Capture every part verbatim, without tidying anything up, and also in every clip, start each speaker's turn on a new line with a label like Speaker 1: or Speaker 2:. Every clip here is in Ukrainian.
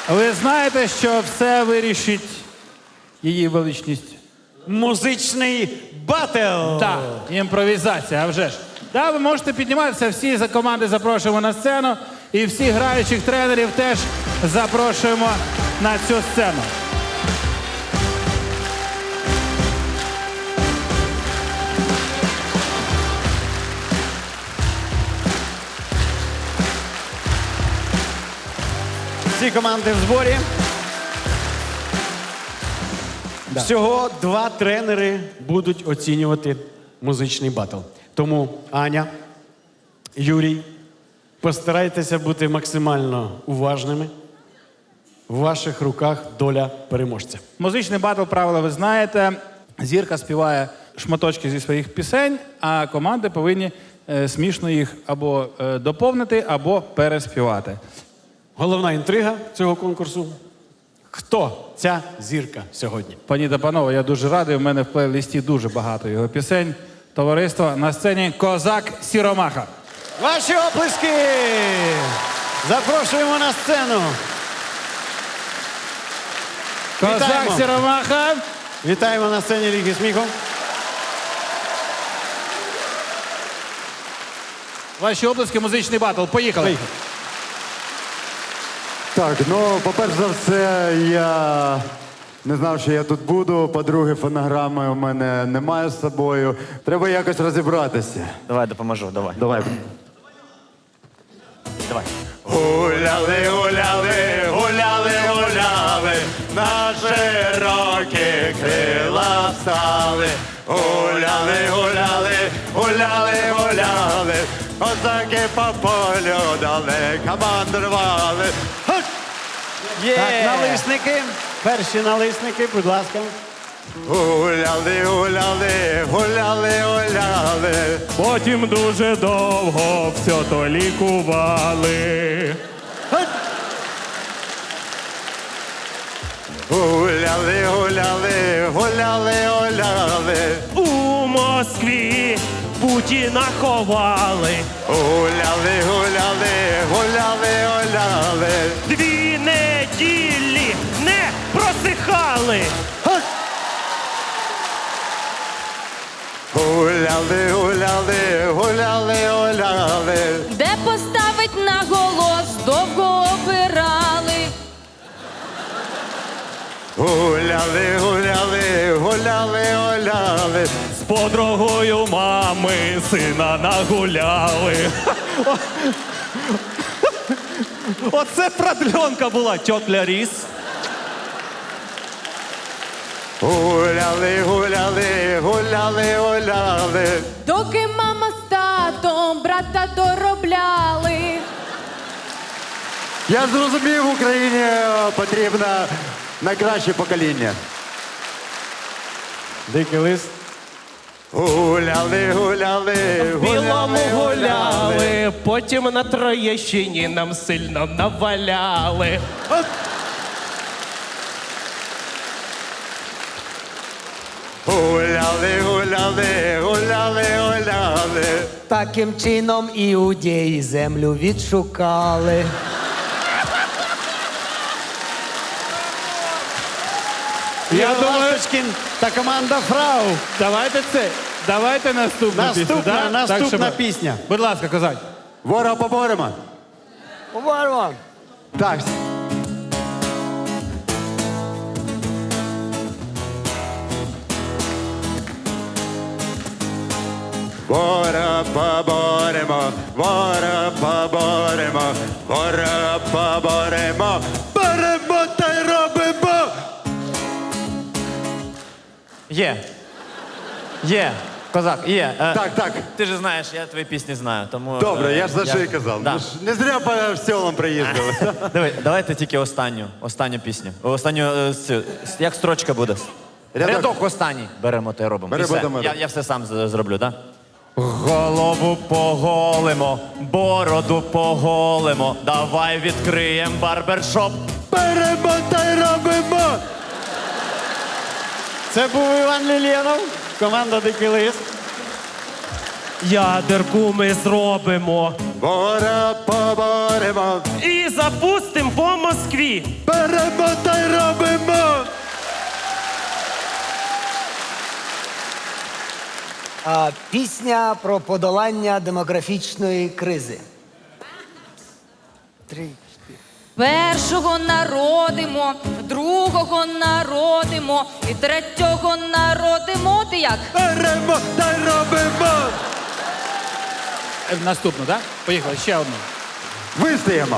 Speaker 1: Ви знаєте, що все вирішить її величність?
Speaker 2: Музичний батл!
Speaker 1: Так, імпровізація, а вже ж. Да, ви можете підніматися, всі за команди запрошуємо на сцену. І всіх граючих тренерів теж запрошуємо на цю сцену.
Speaker 2: Всі команди в зборі. Всього два тренери будуть оцінювати музичний батл. Тому Аня, Юрій, постарайтеся бути максимально уважними. В ваших руках доля переможця.
Speaker 1: Музичний батл, правила ви знаєте. Зірка співає шматочки зі своїх пісень, а команди повинні е, смішно їх або е, доповнити, або переспівати.
Speaker 2: Головна інтрига цього конкурсу – хто ця зірка сьогодні?
Speaker 1: Пані та панове, я дуже радий, у мене в плейлисті дуже багато його пісень. Товариство, на сцені Козак Сіромаха.
Speaker 2: Ваші оплески! Запрошуємо на сцену.
Speaker 1: Козак
Speaker 2: Вітаємо.
Speaker 1: Сіромаха.
Speaker 2: Вітаємо на сцені Ліги сміху.
Speaker 1: Ваші оплески, музичний батл. Поїхали.
Speaker 2: Поїхали.
Speaker 3: Так, ну, по-перше за все, я не знав, що я тут буду. По-друге, фонограми у мене немає з собою. Треба якось розібратися.
Speaker 4: Давай допоможу, давай.
Speaker 3: Давай.
Speaker 4: Давай.
Speaker 3: Гуляли, гуляли, гуляли, гуляли, на широкі крила стали. Гуляли, гуляли, гуляли, гуляли, козаки по полю далеко мандрували.
Speaker 2: Так, налисники. Перші налисники, будь ласка.
Speaker 3: Гуляли, гуляли, гуляли, гуляли.
Speaker 5: Потім дуже довго все то лікували.
Speaker 3: Гуляли, гуляли, гуляли, гуляли.
Speaker 5: У Москві Путіна ховали.
Speaker 3: Гуляли, гуляли, гуляли, гуляли.
Speaker 5: Дві неділі не просихали.
Speaker 3: Гуляли, гуляли, гуляли, гуляли.
Speaker 6: Де поставить на голос, довго обирали.
Speaker 3: Гуляли, гуляли, гуляли, гуляли.
Speaker 5: З подругою мами сина нагуляли. Оце продльонка була, тьотля Ріс.
Speaker 3: Гуляли, гуляли, гуляли, гуляли.
Speaker 6: Доки мама з татом брата доробляли.
Speaker 3: Я зрозумів, Україні е, потрібно найкраще покоління.
Speaker 2: Дикий лист.
Speaker 3: Гуляли, гуляли,
Speaker 5: Білому
Speaker 3: гуляли,
Speaker 5: гуляли, потім на Троєщині нам сильно наваляли.
Speaker 3: Гуляли, гуляли, гуляли, гуляли.
Speaker 7: Таким чином іудеї землю відшукали.
Speaker 1: Я
Speaker 2: Ігор
Speaker 1: думаю,
Speaker 2: Ласточкін та команда Фрау.
Speaker 1: давайте це. Давайте наступну
Speaker 2: Наступна,
Speaker 1: пісню. да?
Speaker 2: наступна
Speaker 1: Так, щоб-
Speaker 2: пісня.
Speaker 1: Будь ласка, Козак.
Speaker 3: Ворога поборемо.
Speaker 7: Поборемо.
Speaker 3: Так. Вора поборемо, вора поборемо, вора поборемо, беремо та й робимо.
Speaker 4: Є. Є. Козак, є. Е,
Speaker 3: Так, так.
Speaker 4: Ти ж знаєш, я твої пісні знаю, тому...
Speaker 3: Добре,
Speaker 4: е,
Speaker 3: я ж за що й казав.
Speaker 4: Да.
Speaker 3: Ну ж не зря по селам приїздили.
Speaker 4: Диви, давайте тільки останню, останню пісню. Останню, е, цю, с- як строчка буде?
Speaker 3: Рядок.
Speaker 4: Рядок останній. Беремо та й робимо.
Speaker 3: Беремо
Speaker 4: І все.
Speaker 3: та й робимо.
Speaker 4: Я, я все сам з- зроблю, так? Да? Голову поголимо, бороду поголимо, давай відкриємо барбершоп.
Speaker 3: Беремо та й робимо.
Speaker 2: Це був Іван Лілєнов, команда Дикий лист.
Speaker 5: Ядерку ми зробимо,
Speaker 3: Бора поборемо,
Speaker 5: І запустим по Москві.
Speaker 3: беремо та й робимо.
Speaker 7: А, пісня про подолання демографічної кризи. Три.
Speaker 6: Першого народимо, другого народимо і третього народимо. Ти як?
Speaker 3: Беремо та й робимо.
Speaker 1: Е, Наступну, так? Поїхали, ще одну.
Speaker 3: Вистоїмо.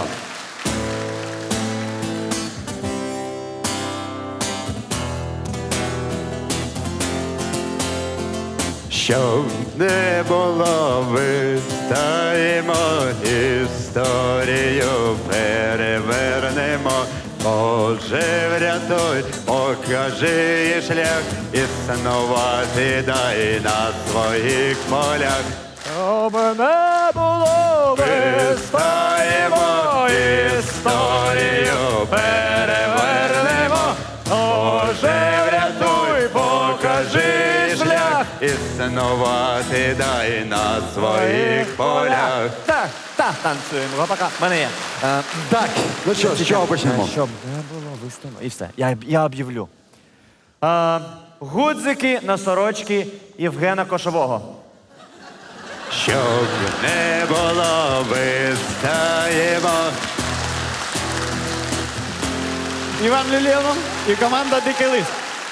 Speaker 3: Щоб не було, вистоїмо, історію перевернемо. Боже, врятуй, покажи їй шлях, існувати дай на своїх полях.
Speaker 2: Щоб не було
Speaker 3: Вистоїмо, історію перевернемо. Боже, врятуй, покажи шлях, існувати дай на своїх полях.
Speaker 4: Так, так, танцюємо. Пока. Мене є. Е,
Speaker 3: Так, ну що, з чого почнемо?
Speaker 4: Щоб не було виставно. І все. Я, я об'явлю. Е, гудзики на сорочки Євгена Кошового.
Speaker 3: Щоб не було, вистоїмо.
Speaker 2: Іван Люленов і команда Дикий Лист.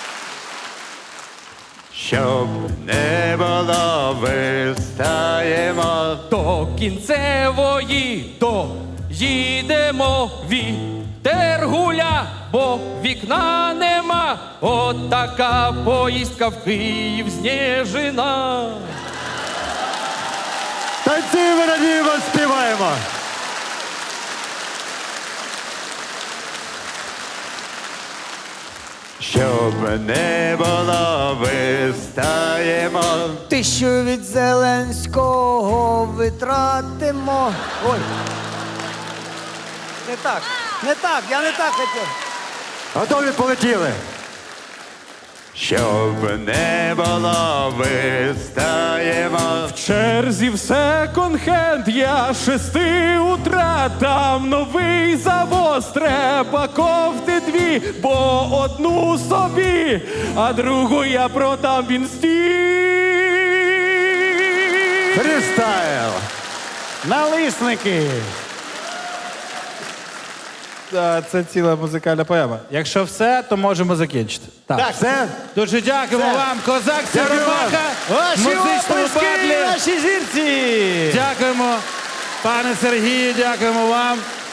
Speaker 3: Щоб не було, вистоїмо.
Speaker 5: До кінцевої доїдемо, вітер гуля, бо вікна нема. От така поїздка в Київ знежена.
Speaker 3: Танцюємо, радіємо, співаємо. Щоб не було, вистоїмо.
Speaker 7: Тисячу від Зеленського витратимо. Ой. Не так, не так, я не так хотів.
Speaker 3: Готові, полетіли. Щоб не було, вистоїмо.
Speaker 5: В черзі в секонд-хенд я шести утра, там новий завоз, треба кофти дві, бо одну собі, а другу я продам в інсті.
Speaker 3: Фрістайл.
Speaker 2: Налисники.
Speaker 1: Та, Це ціла музикальна поема. Якщо все, то можемо закінчити.
Speaker 3: Так, все?
Speaker 1: Дуже дякуємо
Speaker 3: Все.
Speaker 1: вам, Козак
Speaker 3: Дякую вам.
Speaker 1: Сєвєрбака,
Speaker 2: Ваші
Speaker 1: музичному
Speaker 2: оплески
Speaker 1: батлі.
Speaker 2: нашій зірці.
Speaker 1: Дякуємо, пане Сергію, дякуємо вам.